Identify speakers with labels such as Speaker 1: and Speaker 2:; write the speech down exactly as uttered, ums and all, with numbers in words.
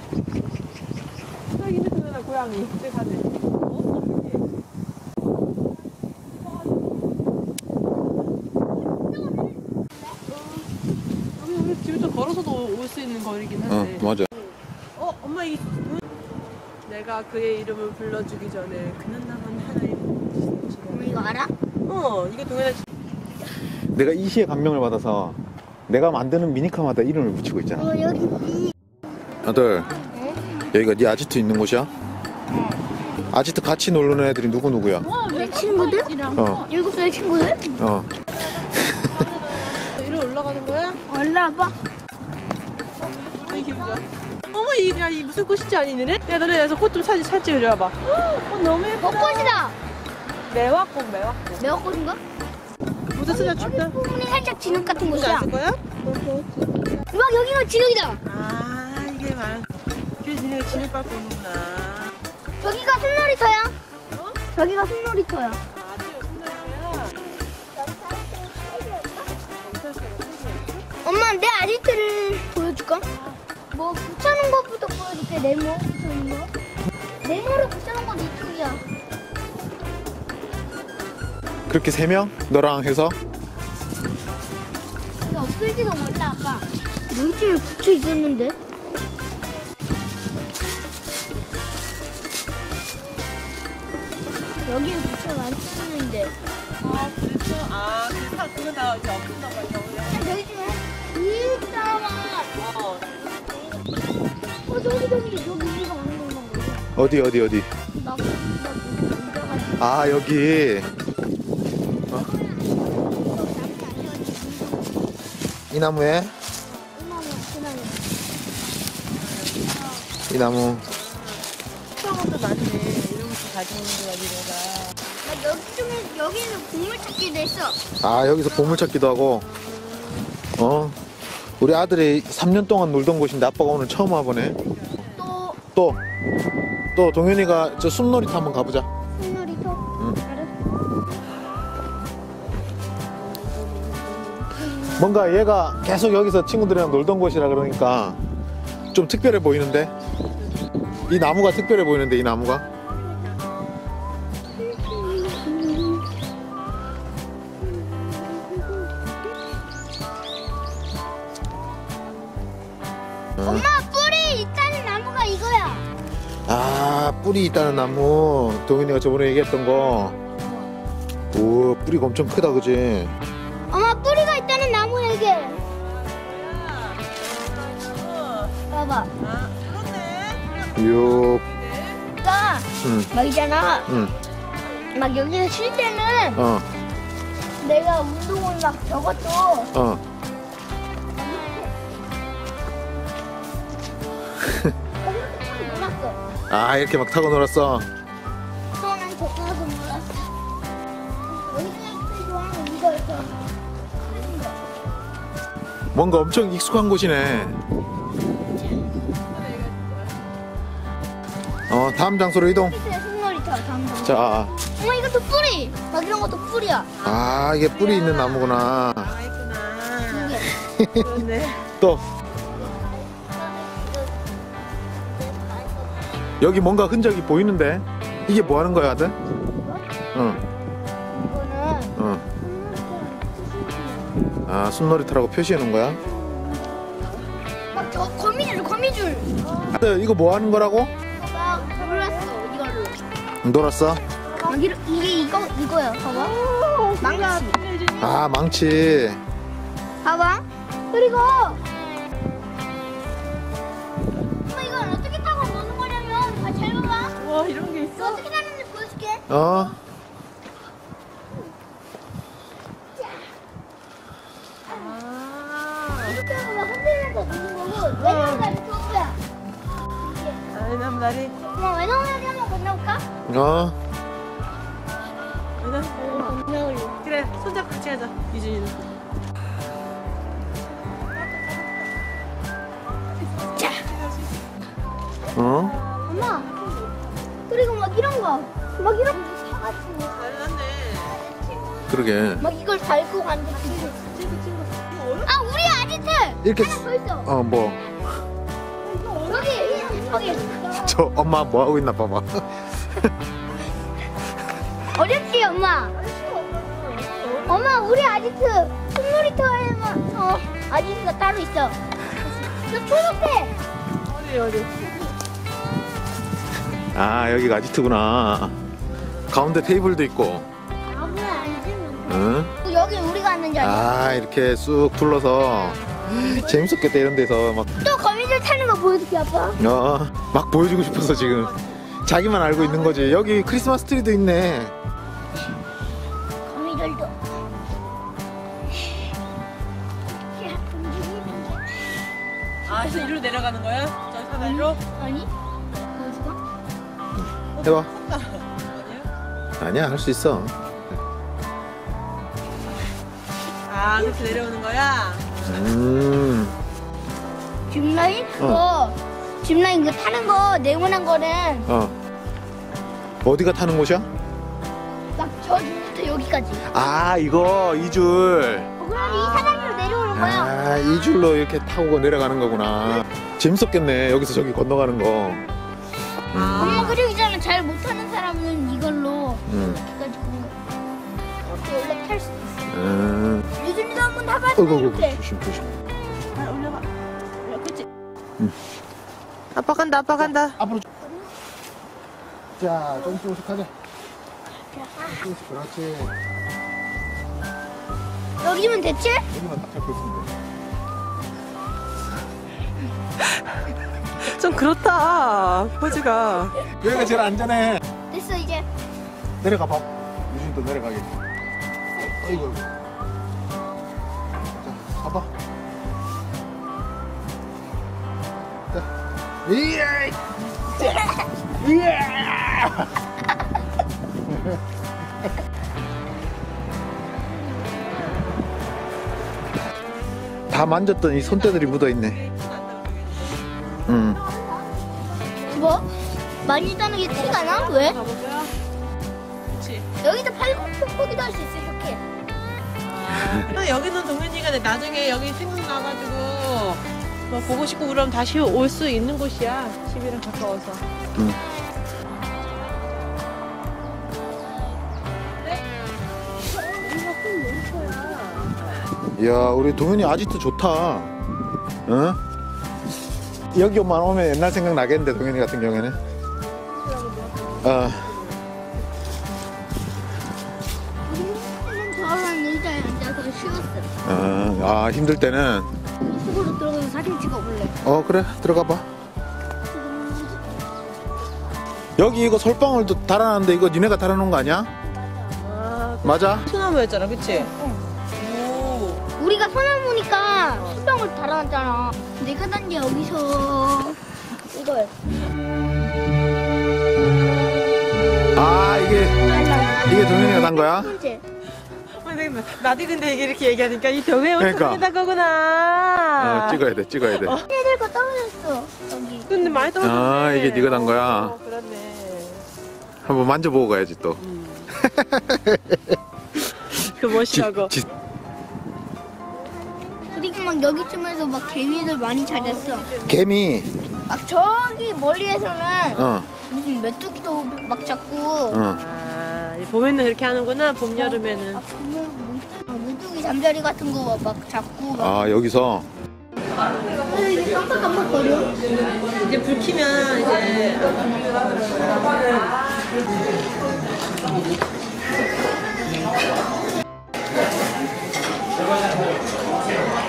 Speaker 1: 저기 있는 고양이. 저기 가지. 여기 우리 집에서 걸어서도 올 수 있는 거리긴 한데.
Speaker 2: 어, 맞아.
Speaker 1: 어, 엄마 이 내가 그의 이름을 불러주기 전에 그는 나만 하나의
Speaker 3: 엄마 이거 알아?
Speaker 1: 어, 이거 동현아.
Speaker 2: 내가 이 시에 감명을 받아서 내가 만드는 미니카마다 이름을 붙이고 있잖아.
Speaker 3: 어 여기 이
Speaker 2: 아들,
Speaker 3: 네?
Speaker 2: 여기가 네 아지트 있는 곳이야?
Speaker 3: 네.
Speaker 2: 아지트 같이 놀는 애들이 누구 누구야?
Speaker 3: 내 친구들?
Speaker 2: 어,
Speaker 3: 일곱 살 친구들?
Speaker 2: 어.
Speaker 1: 이리 올라가는 거야?
Speaker 3: 올라와봐.
Speaker 1: 아이 기분이야. 어머 이, 야, 이 무슨 꽃인지 아니네? 야 너네 여기서 꽃 좀 사진 잘 찍어줘봐. 어, 너무 예뻐.
Speaker 3: 벚꽃이다.
Speaker 1: 매화꽃 매화꽃.
Speaker 3: 매화꽃인가?
Speaker 1: 무슨 쓰자 춥다.
Speaker 3: 부분이 살짝 진흙 같은
Speaker 1: 무슨
Speaker 3: 곳이야.
Speaker 1: 안쓸 거야?
Speaker 3: 막 여기가 진흙이다.
Speaker 1: 아 이게 말. 그래서 니네가 진을 밟고 오는구나.
Speaker 3: 저기가 순놀이터야.
Speaker 1: 어?
Speaker 3: 저기가 순놀이터야.
Speaker 1: 아 저기 순간이야.
Speaker 3: 엄마 내 아지트를 보여줄까? 뭐 붙여놓은 것부터 보여줄게. 네모 붙여놓은 거. 네모를 붙여놓은 건 이쪽이야.
Speaker 2: 그렇게 세 명? 너랑 해서?
Speaker 3: 이거 없을지도 몰라 아빠. 물집에 붙여 있었는데. 여기에 붙여놨었는데.
Speaker 1: 아 그랬어? 아 그래서 그거 다 이제 없었나 봐. 이제
Speaker 3: 여기 좀 있다와.
Speaker 1: 어.
Speaker 3: 어 저기 저기 여기 이거 맞는 건가?
Speaker 2: 어디 어디 어디?
Speaker 3: 나 나 앉아가지고.
Speaker 2: 아 여기 어? 이 나무에? 이 나무.
Speaker 1: 수학원도 많네. 이런 거 가지고 있는 거야 니네가.
Speaker 3: 나 여기 중에 여기는 국물 찾기도 했어.
Speaker 2: 아 여기서 보물찾기도 하고. 어? 우리 아들이 삼 년 동안 놀던 곳인데 아빠가 오늘 처음 와보네.
Speaker 3: 또
Speaker 2: 또, 또 동현이가 저 숲놀이터 한번 가보자.
Speaker 3: 순놀이터.
Speaker 2: 응.
Speaker 3: 알았어.
Speaker 2: 뭔가 얘가 계속 여기서 친구들이랑 놀던 곳이라 그러니까 좀 특별해 보이는데? 이 나무가 특별해 보이는데, 이 나무가?
Speaker 3: 엄마 뿌리 있다는 나무가 이거야.
Speaker 2: 아, 뿌리 있다는 나무. 동현이가 저번에 얘기했던 거. 오, 뿌리가 엄청 크다, 그지?
Speaker 3: 엄마 뿌리가 있다는 나무 얘기. 봐봐.
Speaker 1: 아 그렇네.
Speaker 2: 요,
Speaker 3: 나
Speaker 2: 응,
Speaker 3: 막 있잖아.
Speaker 2: 응,
Speaker 3: 막 여기서 쉴 때는
Speaker 2: 어,
Speaker 3: 내가 운동을 막 저것도
Speaker 2: 어.
Speaker 3: 놀았어.
Speaker 2: 아, 이렇게 막 타고 놀았어.
Speaker 3: 저는 저거 하고 놀았어. 여기서 좋아하는 이거였어.
Speaker 2: 뭔가 엄청 익숙한 곳이네. 어, 다음 장소로 이동.
Speaker 3: 손놀이터 담당.
Speaker 2: 자,
Speaker 3: 엄마 이것도 뿌리. 막 이런 것도 뿌리야.
Speaker 2: 아, 이게 뿌리 있는 나무구나.
Speaker 1: 아 있구나.
Speaker 3: 이게.
Speaker 1: 그렇네.
Speaker 2: 또, 여기 뭔가 흔적이 보이는데? 이게 뭐 하는 거야, 아들? 응,
Speaker 3: 이거는
Speaker 2: 응. 아, 숲놀이터라고 표시해 놓은 거야?
Speaker 3: 막 저 거미줄 거미줄.
Speaker 2: 아들, 이거 뭐 하는 거라고?
Speaker 3: 막 놀았어 이걸로.
Speaker 2: 놀았어?
Speaker 3: 막 이러, 이게 이거 이거야. 봐봐. 망치.
Speaker 2: 아, 망치.
Speaker 3: 봐봐. 그리고 엄마 이걸 어떻게 타고 노는 거냐면 아, 잘 봐봐.
Speaker 1: 와 이런 게
Speaker 3: 이거
Speaker 1: 있어?
Speaker 3: 어떻게 타는지 보여줄게.
Speaker 2: 어?
Speaker 1: 아.
Speaker 3: 이렇게 하고 막 흔들면서 노는 거고 왜냐면 나 이렇게 올 거야.
Speaker 1: 아이 남다리.
Speaker 3: 엄마 외나무야기 한번 건너볼까?
Speaker 2: 어?
Speaker 1: 그냥 그래 손잡고 같이 하자 유진이는.
Speaker 3: 자.
Speaker 2: 어?
Speaker 3: 엄마. 그리고 막 이런 거. 막 이런 거 사가지고.
Speaker 1: 잘났네.
Speaker 2: 그러게.
Speaker 3: 막 이걸 달고 가는 거 친구. 아 우리 아지트.
Speaker 2: 이렇게,
Speaker 3: 하나 더 있어.
Speaker 2: 어, 뭐.
Speaker 3: 여기 깜빡이.
Speaker 2: 저 엄마 뭐 하고 있나 봐봐.
Speaker 3: 어렵지 엄마. 엄마 우리 아지트 숲놀이터에만 어 아지트가 따로 있어. 저 초록색.
Speaker 1: 어디 어디.
Speaker 2: 아 여기가 아지트구나. 가운데 테이블도 있고.
Speaker 3: 아무나 앉으면
Speaker 2: 응?
Speaker 3: 돼. 여기 우리가 앉는 자리.
Speaker 2: 아 이렇게 쑥 둘러서 재밌었겠다 이런 데서 막,
Speaker 3: 또 거미줄 타는 거 보여줄게 아빠.
Speaker 2: 어, 막 보여주고 싶어서 지금 자기만 알고 있는 거지. 여기 크리스마스 트리도 있네.
Speaker 3: 거미줄도.
Speaker 1: 아, 그래서 이리로 내려가는 거야? 저 사다리로?
Speaker 3: 아니? 보여줄까?
Speaker 2: 해봐.
Speaker 1: 아니야?
Speaker 2: 아니야 할 수 있어.
Speaker 1: 아, 그렇게 내려오는 거야?
Speaker 2: 음.
Speaker 3: 짚라인? 그거 짚라인 그 타는 거 네모난 거는
Speaker 2: 어. 어디가 타는 곳이야?
Speaker 3: 막 저기부터 여기까지.
Speaker 2: 아 이거 이 줄.
Speaker 3: 어, 그럼 이 사다리로 내려오는 거야.
Speaker 2: 아 이 줄로 이렇게 타고 내려가는 거구나. 재밌었겠네 여기서 저기 건너가는 거.
Speaker 3: 엄마 그리고 있잖아 잘 못하는 사람은 이걸로
Speaker 2: 음.
Speaker 3: 해가지고 이렇게 원래 탈 수 있어.
Speaker 2: 음.
Speaker 3: 유준이도 한번 타봐.
Speaker 2: 어이구 어이구,
Speaker 3: 이렇게.
Speaker 2: 조심 조심.
Speaker 1: 아, 올려봐. 올려, 그치?
Speaker 2: 응.
Speaker 1: 아빠 간다, 아빠 간다.
Speaker 2: 앞으로. 자 조금씩 조금씩 가자. 조금씩 그렇지.
Speaker 3: 여기면 됐지?
Speaker 2: 여기만 딱 잡고 있으면 돼.
Speaker 1: 좀 그렇다, 포즈가.
Speaker 2: 여기가 제일 안전해.
Speaker 3: 됐어 이제.
Speaker 2: 내려가 봐. 유진도 내려가게. 어이구. 자, 가봐. 자, 이야. 이야. 다 만졌던 이 손때들이 묻어 있네. 응.
Speaker 3: 뭐? 많이 따는 게 티가 나? 왜?
Speaker 1: 가볼까요? 그치.
Speaker 3: 여기도 팔굽혀펴기도 할 수 있어 이렇게.
Speaker 1: 근데 여기는 동현이가 나중에 여기 생각나가지고 뭐 보고 싶고 그러면 다시 올 수 있는 곳이야. 집이랑 가까워서.
Speaker 2: 응. 이야, 우리 동현이 아직도 좋다. 응? 여기만 오면 옛날 생각 나겠는데 동현이 같은 경우에는. 어.
Speaker 3: 우리는 저런 의자에 앉아서 쉬었어.
Speaker 2: 어, 아 힘들 때는.
Speaker 3: 숲으로 들어가서 사진 찍어볼래.
Speaker 2: 어 그래 들어가 봐. 여기 이거 솔방울도 달아놨는데 이거 니네가 달아놓은 거 아니야?
Speaker 1: 아,
Speaker 2: 맞아?
Speaker 1: 소나무였잖아, 그치?
Speaker 3: 응.
Speaker 1: 오.
Speaker 3: 우리가 소나무니까 수병을 달아놨잖아. 내가 단 게 여기서 이거야.
Speaker 2: 아 이게 이게 동현이가 단 거야?
Speaker 3: 번째.
Speaker 1: 선생님, 나도 근데 이렇게 얘기하니까 이 벽에
Speaker 2: 그러니까.
Speaker 1: 어떻게 단 거구나.
Speaker 2: 어 찍어야 돼 찍어야 돼.
Speaker 3: 얘들 거 떨어졌어. 여기.
Speaker 1: 근데 많이 떨어졌네.
Speaker 2: 아, 이게 네가 단 거야?
Speaker 1: 어, 그렇네.
Speaker 2: 한번 만져보고 가야지 또.
Speaker 1: 그 멋이라고.
Speaker 2: 지- 지-
Speaker 3: 그리고 막 여기쯤에서 막 개미들 많이 찾았어.
Speaker 2: 개미.
Speaker 3: 막 저기 멀리에서는
Speaker 2: 어.
Speaker 3: 무슨 메뚜기도 막 잡고.
Speaker 2: 어.
Speaker 1: 아, 봄에는 그렇게 하는구나. 봄, 여름에는.
Speaker 3: 아, 보면 메뚜기 잠자리 같은 거 막 잡고. 막.
Speaker 2: 아 여기서.
Speaker 3: 왜 이게 깜빡깜빡거려?
Speaker 1: 이제 불 켜면 이제